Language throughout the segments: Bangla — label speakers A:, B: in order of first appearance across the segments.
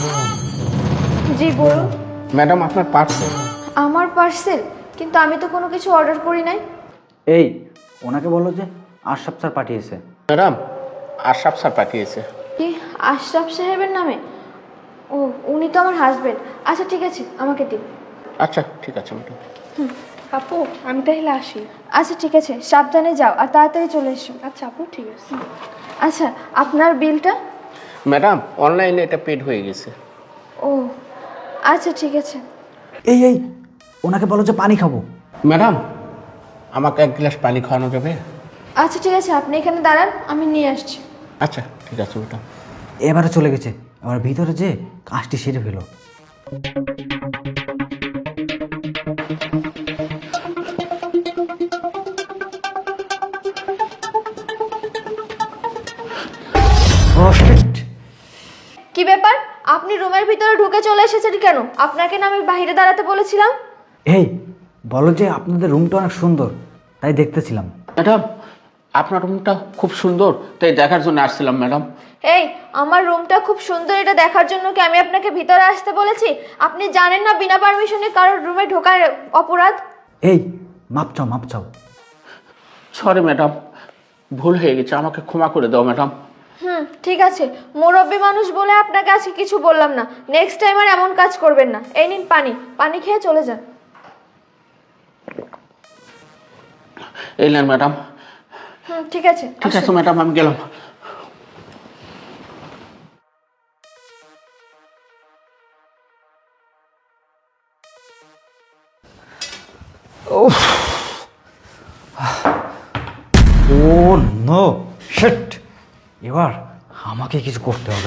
A: জি বলুন।
B: ম্যাডাম আপনার পার্সেল।
A: আমার পার্সেল? কিন্তু আমি তো কোনো কিছু অর্ডার করি নাই।
C: এই ওনাকে বলো যে আশরাফ স্যার পাঠিয়েছে।
B: ম্যাডাম আশরাফ স্যার পাঠিয়েছে।
A: কি আশরাফ সাহেবের নামে? ও উনি তো আমার হাজবেন্ড। আচ্ছা ঠিক আছে, আমাকে দিন।
B: আচ্ছা ঠিক আছে ম্যাডাম।
D: আপু আমি তাহলে আসি।
A: আচ্ছা ঠিক আছে, সাবধানে যাও আর তাড়াতাড়ি চলে এসো।
D: আচ্ছা আপু ঠিক আছে।
A: আচ্ছা আপনার বিলটা?
B: ম্যাডাম অনলাইনে এটা পেড হয়ে গেছে।
A: ও আচ্ছা ঠিক আছে।
C: এই এই ওনাকে বলো যে পানি খাবো।
B: ম্যাডাম আমাকে এক গ্লাস পানি খাওয়ানো যাবে?
A: আচ্ছা ঠিক আছে, আপনি এখানে দাঁড়ান, আমি নিয়ে আসছি।
B: আচ্ছা ঠিক আছে ম্যাডাম।
C: এবারে চলে গেছে, এবার ভিতরে যে কাজটি সেরে ফেলো। ও শিট!
A: কি ব্যাপার, আপনি রুমের ভিতরে ঢুকে চলে এসেছেন কেন? আপনাকে না আমি বাইরে দাঁড়াতে বলেছিলাম?
C: এই বলো যে আপনাদের রুমটা অনেক সুন্দর, তাই দেখতেছিলাম।
B: ম্যাডাম আপনার রুমটা খুব সুন্দর, তাই দেখার জন্য আসছিলাম ম্যাডাম।
A: এই আমার রুমটা খুব সুন্দর, এটা দেখার জন্য কি আমি আপনাকে ভিতরে আসতে বলেছি? আপনি জানেন না বিনা পারমিশনে কারোর রুমে ঢোকার অপরাধ?
C: এই মাপ চাও মাপ চাও।
B: সরি ম্যাডাম, ভুল হয়ে গেছে, আমাকে ক্ষমা করে দাও ম্যাডাম।
A: ঠিক আছে, মুরব্বী মানুষ বলে আপনাকে আজকে কিছু বললাম না। নেক্সট টাইম আর এমন কাজ করবেন না। এই নিন পানি, পানি খেয়ে চলে যান।
B: এই নেন ম্যাডাম।
A: ঠিক আছে
B: ঠিক আছে
A: আসুন।
B: ম্যাডাম, আমি গেলাম।
C: Oh no shit! এবার আমাকে কিছু করতে হবে।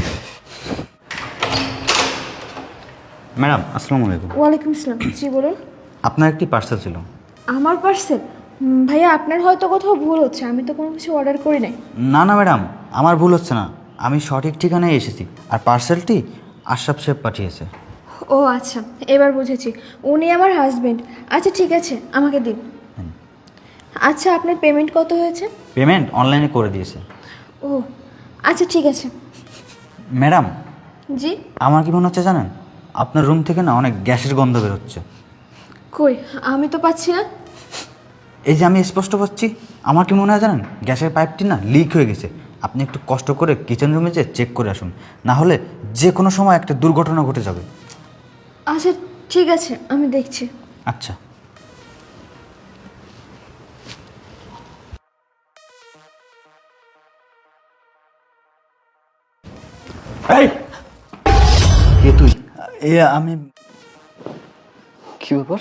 C: ম্যাডাম আসসালামু আলাইকুম।
A: ওয়ালাইকুম আসসালাম। জি বলুন।
C: আপনার একটি পার্সেল ছিল।
A: আমার পার্সেল? ভাইয়া আপনার হয়তো কোথাও ভুল হচ্ছে, আমি তো কোনো কিছু অর্ডার করি নাই।
C: না না ম্যাডাম, আমার ভুল হচ্ছে না, আমি সঠিক ঠিকানায় এসেছি। আর পার্সেলটি আশরাফ সাহেব পাঠিয়েছে।
A: ও আচ্ছা, এবার বুঝেছি, উনি আমার হাজবেন্ড। আচ্ছা ঠিক আছে, আমাকে দিন। আচ্ছা আপনার পেমেন্ট কত হয়েছে?
C: পেমেন্ট অনলাইনে করে দিয়েছে।
A: ও আচ্ছা ঠিক আছে।
C: ম্যাডাম
A: জি?
C: আমার কি মনে হচ্ছে জানেন, আপনার রুম থেকে না অনেক গ্যাসের গন্ধ বেরোচ্ছে।
A: কই, আমি তো পাচ্ছি না।
C: এই যে আমি স্পষ্ট পাচ্ছি। আমার কি মনে হয় জানেন, গ্যাসের পাইপটি না লিক হয়ে গেছে। আপনি একটু কষ্ট করে কিচেন রুমে যেয়ে চেক করে আসুন, না হলে যে কোনো সময় একটা দুর্ঘটনা ঘটে যাবে।
A: আচ্ছা ঠিক আছে, আমি দেখছি।
C: আচ্ছা। এই কে তুই? আমি
E: কি ব্যাপার?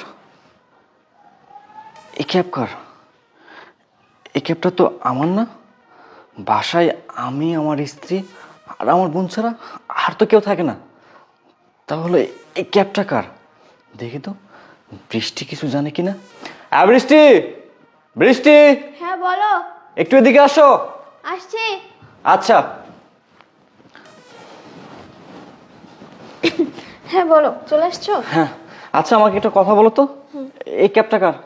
E: এই ক্যাব কার? এই ক্যাবটা তো আমার না। বাসায় আমি, আমার স্ত্রী আর আমার বোন ছাড়া আর তো কেউ থাকে না। তাহলে এই ক্যাবটা কার? দেখি তো বৃষ্টি কিছু জানে কিনা। বৃষ্টি, বৃষ্টি
A: হ্যাঁ বলো।
E: একটু এদিকে আসো।
A: আসছি।
E: আচ্ছা।
A: হ্যাঁ বলো, চলে আসছো?
E: হ্যাঁ আচ্ছা, আমাকে একটা কথা বলো তো, এই ক্যাবটা কার?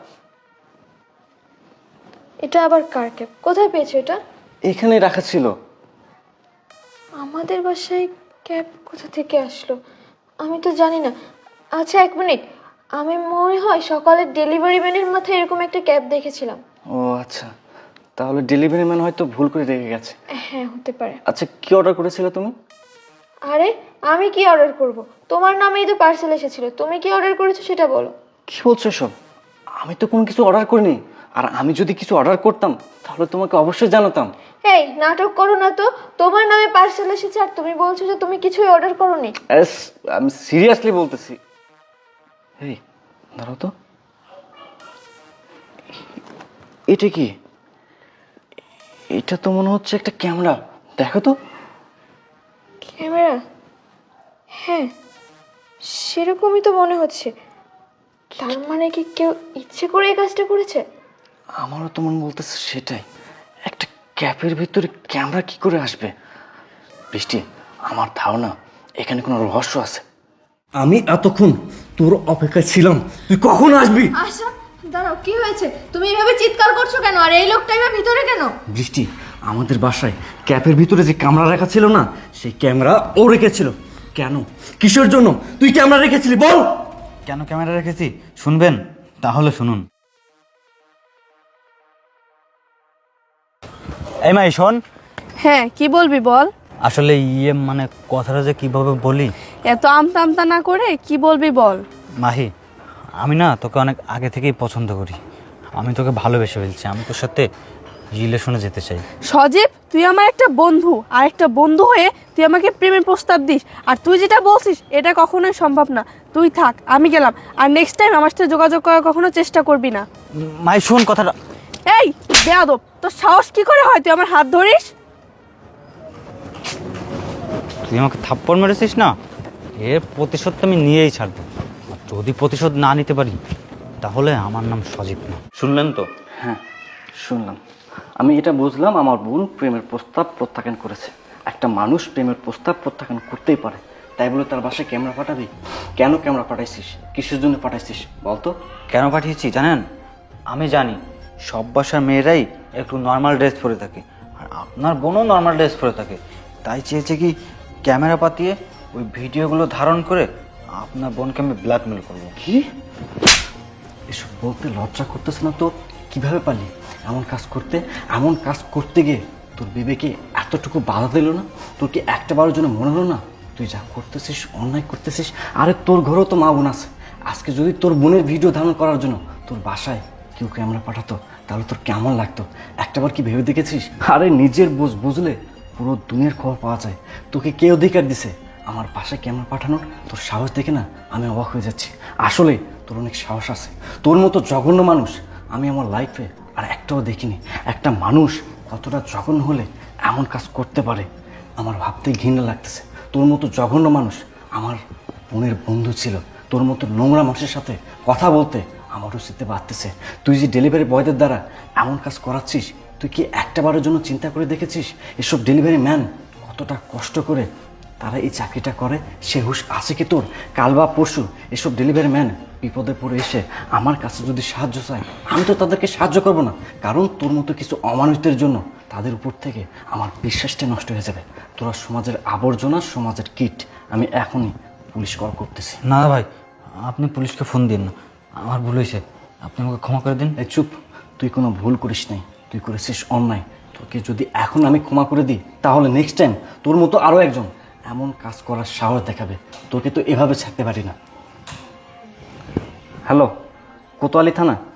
A: এটা আবার কার ক্যাব? কোথায় পেয়েছো এটা?
E: এখানেই রাখা ছিল।
A: আমাদের বাসায় ক্যাব কোথা থেকে আসলো আমি তো জানি না। আচ্ছা এক মিনিট, আমি মনে হয় সকালে ডেলিভারি ম্যানের মাথায় এরকম একটা ক্যাব দেখেছিলাম।
E: ও আচ্ছা, তাহলে ডেলিভারি ম্যান হয়তো ভুল করে রেখে গেছে।
A: হ্যাঁ হতে পারে।
E: আচ্ছা কি অর্ডার করেছিলে তুমি?
A: আরে আমি কি অর্ডার করব? তোমার নামেই তো পার্সেল এসেছিল, তুমি কি অর্ডার করেছো সেটা বলো।
E: কি বলছো সব? আমি তো কোনো কিছু অর্ডার করিনি। আর আমি যদি কিছু অর্ডার করতাম তাহলে তোমাকে অবশ্যই জানাতাম।
A: এই নাটক করো না তো, তোমার নামে পার্সেল এসেছে আর তুমি বলছো যে তুমি কিছুই অর্ডার করোনি।
E: আমি সিরিয়াসলি বলতেছি। এই দাঁড়াও তো, এটা কি? এটা তো মনে হচ্ছে একটা ক্যামেরা। দেখো তো।
A: ক্যামেরা? হ্যাঁ সেরকমই তো মনে হচ্ছে। তার মানে কি কেউ ইচ্ছে করে এই কাজটা করেছে?
E: আমারও তো মন বলতেছে সেটাই। একটা ক্যাপের ভিতরে ক্যামেরা কি করে আসবে? বৃষ্টি, আমার ধারণা এখানে কোনো রহস্য আছে।
F: আমি এতক্ষণ তোর অপেক্ষায় ছিলাম, তুই কখন আসবি?
A: আচ্ছা দাঁড়াও, কি হয়েছে? তুমি এভাবে চিৎকার করছো কেন? আর এই লোকটা এবার ভিতরে কেন?
F: বৃষ্টি, আমাদের বাসায় ক্যাপের ভিতরে যে ক্যামেরা রাখা ছিল না, সেই ক্যামেরা ও রেখেছিল। কেন? কিসের জন্য তুই ক্যামেরা রেখেছিলি বল?
C: কেন ক্যামেরা রেখেছি শুনবেন? তাহলে শুনুন। এই মাই শোন,
D: হ্যাঁ কি বলবি বল।
C: আসলে মানে কথাটা যে কিভাবে বলি।
D: এত আমতা আমতা না করে কি বলবি বল।
C: মাহি, আমি না তোকে অনেক আগে থেকেই পছন্দ করি। আমি তোকে ভালোবেসে ফেলছি। আমি তোর সাথে রিলেশনে যেতে চাই।
D: সজীব, তুই আমার একটা বন্ধু, আর একটা বন্ধু হয়ে তুই আমাকে প্রেমের প্রস্তাব দিস, আর তুই যেটা বলছিস এটা কখনোই সম্ভব না। তুই থাক, আমি গেলাম, আর নেক্সট টাইম আমার সাথে যোগাযোগ করার কখনো চেষ্টা করবি না।
C: মাই শোন কথাটা।
D: এই বেয়াদব, তোর সাহস কি করে হয় তুই আমার হাত ধরিস?
C: তুই আমাকে থাপ্পড় মেরেছিস না, এর প্রতিশোধ তো আমি নিয়েই ছাড়বো। আর যদি প্রতিশোধ না নিতে পারি তাহলে আমার নাম সজীব না। শুনলেন তো?
E: হ্যাঁ শুনলাম। আমি এটা বুঝলাম আমার বোন প্রেমের প্রস্তাব প্রত্যাখ্যান করেছে। একটা মানুষ প্রেমের প্রস্তাব প্রত্যাখ্যান করতেই পারে, তাই বলে তার বাসায় ক্যামেরা পাঠাবি? কেন ক্যামেরা পাঠাইছিস? কিসের জন্য পাঠাইছিস বলতো?
C: কেন পাঠিয়েছি জানেন? আমি জানি সব বাসার মেয়েরাই একটু নর্মাল ড্রেস পরে থাকে, আর আপনার বোনও নর্মাল ড্রেস পরে থাকে। তাই চেয়েছে কি ক্যামেরা পাতিয়ে ওই ভিডিওগুলো ধারণ করে আপনার বোনকে আমি ব্ল্যাকমেল করবো।
E: কি এসব বলতে লজ্জা করতেছে না তোর? কিভাবে পারলি এমন কাজ করতে? এমন কাজ করতে গিয়ে তোর বিবেকে এতটুকু বাধা দিল না? তোর কি একটা বারের জন্য মনে হলো না তুই যা করতেছিস অন্যায় করতেছিস? আরে তোর ঘরেও তো মা বোন আছে। আজকে যদি তোর বোনের ভিডিও ধারণ করার জন্য তোর বাসায় কেউ ক্যামেরা পাঠাতো তাহলে তোর কেমন লাগতো? একটাবার কি ভেবে দেখেছিস? আরে নিজের বুঝলে পুরো দুনিয়ার খবর পাওয়া যায়। তোকে কে অধিকার দিছে আমার বাসায় ক্যামেরা পাঠানোর? তোর সাহস দেখে না আমি অবাক হয়ে যাচ্ছি। আসলে তোর অনেক সাহস আছে। তোর মতো জঘন্য মানুষ আমি আমার লাইফে আর একটাও দেখিনি। একটা মানুষ কতটা জঘন্য হলে এমন কাজ করতে পারে আমার ভাবতে ঘৃণা লাগতেছে। তোর মতো জঘন্য মানুষ আমার বোনের বন্ধু ছিল। তোর মতো নোংরা মানুষের সাথে কথা বলতে আমার রুচিতে বাড়তেছে। তুই যে ডেলিভারি বয়দের দ্বারা এমন কাজ করাচ্ছিস, তুই কি একটাবারের জন্য চিন্তা করে দেখেছিস এসব ডেলিভারি ম্যান কতটা কষ্ট করে তারা এই চাকরিটা করে? সে হুঁশ আছে কি তোর? কাল বা পরশু এসব ডেলিভারি ম্যান বিপদে পড়ে এসে আমার কাছে যদি সাহায্য চায়, আমি তো তাদেরকে সাহায্য করব না, কারণ তোর মতো কিছু অমানুষদের জন্য তাদের উপর থেকে আমার বিশ্বাসটা নষ্ট হয়ে যাবে। তোরা সমাজের আবর্জনা, সমাজের কীট। আমি এখনই পুলিশ কল করতেছি।
C: না ভাই, আপনি পুলিশকে ফোন দিন না, আমার ভুল হয়েছে, আপনি আমাকে ক্ষমা করে দিন।
E: এই চুপ, তুই কোনো ভুল করিস নাই, তুই করেছিস অন্যায়। তোকে যদি এখন আমি ক্ষমা করে দিই তাহলে নেক্সট টাইম তোর মতো আরও একজন এমন কাজ করার সাহস দেখাবে। তোকে তো এভাবে ছাড়তে পারি না। হ্যালো, কোতোয়ালি থানা?